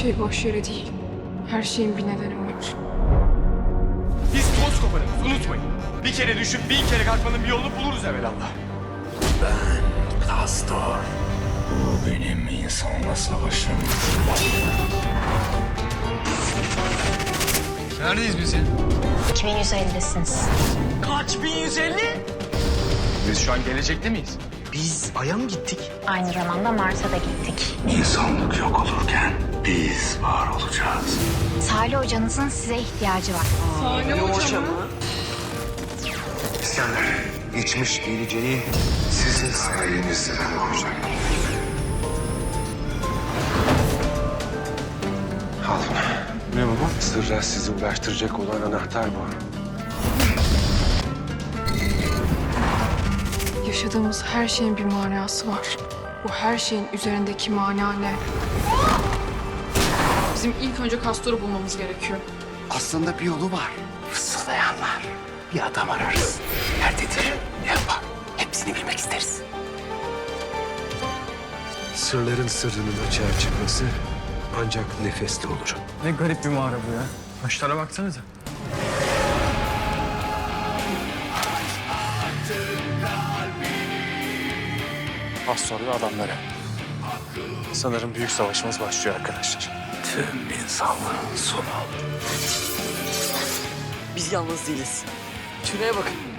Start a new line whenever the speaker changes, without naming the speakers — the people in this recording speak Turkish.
şey boş yere değil. Her şeyin bir nedeni var.
Biz toz koparırız, unutmayın. Bir kere düşüp bin kere kalkmanın bir yolunu buluruz evvelallah.
Pastor. Bu benim insanla savaşım.
Neredeyiz biz ya?
2150'siniz.
Kaç? 1150?
Biz şu an gelecekte miyiz?
Biz Ay'a mı gittik?
Aynı zamanda Mars'a da gittik.
İnsanlık yok olurken biz var olacağız.
Salih hocanızın size ihtiyacı var.
İskender, geçmiş geleceği sizin sayenizde olacak. Al bunu. Ne baba? Sırra sizi ulaştıracak olan anahtar bu.
Yaşadığımız her şeyin bir manası var. Bu her şeyin üzerindeki mana ne? Bizim ilk önce Castor'u bulmamız gerekiyor.
Aslında bir yolu var. Fısıldayanlar. Bir adam ararız. Nerededir? Ne yapar? Hepsini bilmek isteriz.
Sırların sırrının açığa çıkması ancak nefesle olur.
Ne garip bir mağara bu ya. Taşlara baksanıza.
Pastor ve adamları. Sanırım büyük savaşımız başlıyor arkadaşlar.
Tüm insanlığın sonu olur.
Biz yalnız değiliz. Şuraya bakın.